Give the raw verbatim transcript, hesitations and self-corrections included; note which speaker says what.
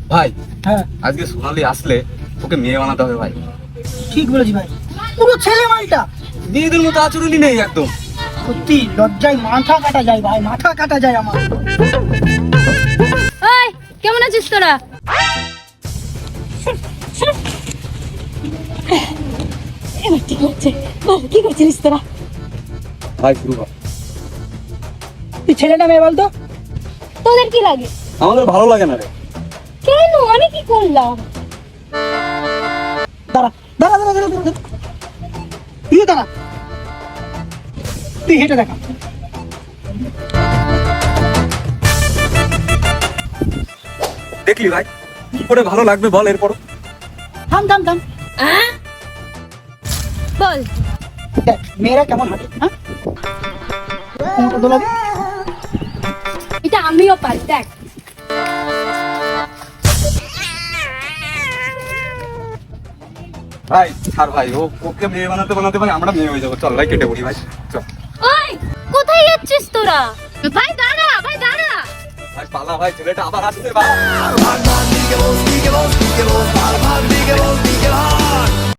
Speaker 1: ভাই
Speaker 2: হ্যাঁ
Speaker 1: আজকে সোনালি আসলে ওকে মেয়ে বানাতে হবে ভাই।
Speaker 2: ঠিক বলেছি ভাই, পুরো ছেলে মালটা।
Speaker 1: মেয়েদের মতো আচরণই নেই একদম।
Speaker 2: সত্যি লজ্জায় মাথা কাটা যায় ভাই, মাথা কাটা যায় আমার।
Speaker 3: এই কেমন আছিস তোরা? এবার ঠিক হচ্ছে। বল কি করছিস তোরা?
Speaker 1: ভাই শুরু কর।
Speaker 2: তুই ছেলে না মেয়ে বলতো?
Speaker 3: তোদের কি লাগে?
Speaker 1: আমাদের ভালো লাগে না রে।
Speaker 3: কেন, আমি কি করলাম?
Speaker 2: দাঁড়া দাঁড়া দাঁড়া দাঁড়া দাঁড়া। তুই দাঁড়া, তুই হেঁটে দেখা।
Speaker 1: দেখলি ভাই কি করে ভালো লাগবে বল এরপর।
Speaker 2: থাম থাম থাম।
Speaker 3: হ্যাঁ বল।
Speaker 2: দেখ মেয়েরা কেমন হাঁটে, হ্যাঁ কোমরটা দোলাবি।
Speaker 3: এটা আমিও পারি, দেখ।
Speaker 1: ভাই ছাড় ভাই, ও ওকে মেয়ে বানাতে বানাতে ভাই আমরা মেয়ে হয়ে যাবো। চল ভাই কেটে পড়ি ভাই, চল।
Speaker 3: ওই কোথায় যাচ্ছিস তোরা? ভাই দাঁড়া, ভাই দাঁড়া।
Speaker 1: ভাই পালা ভাই, ছেলেটা আবার আসছে ভাই।
Speaker 4: Bhag bhag, dike bol, dike bol, dike bol, bhag bhag, dike bol, dike bhag.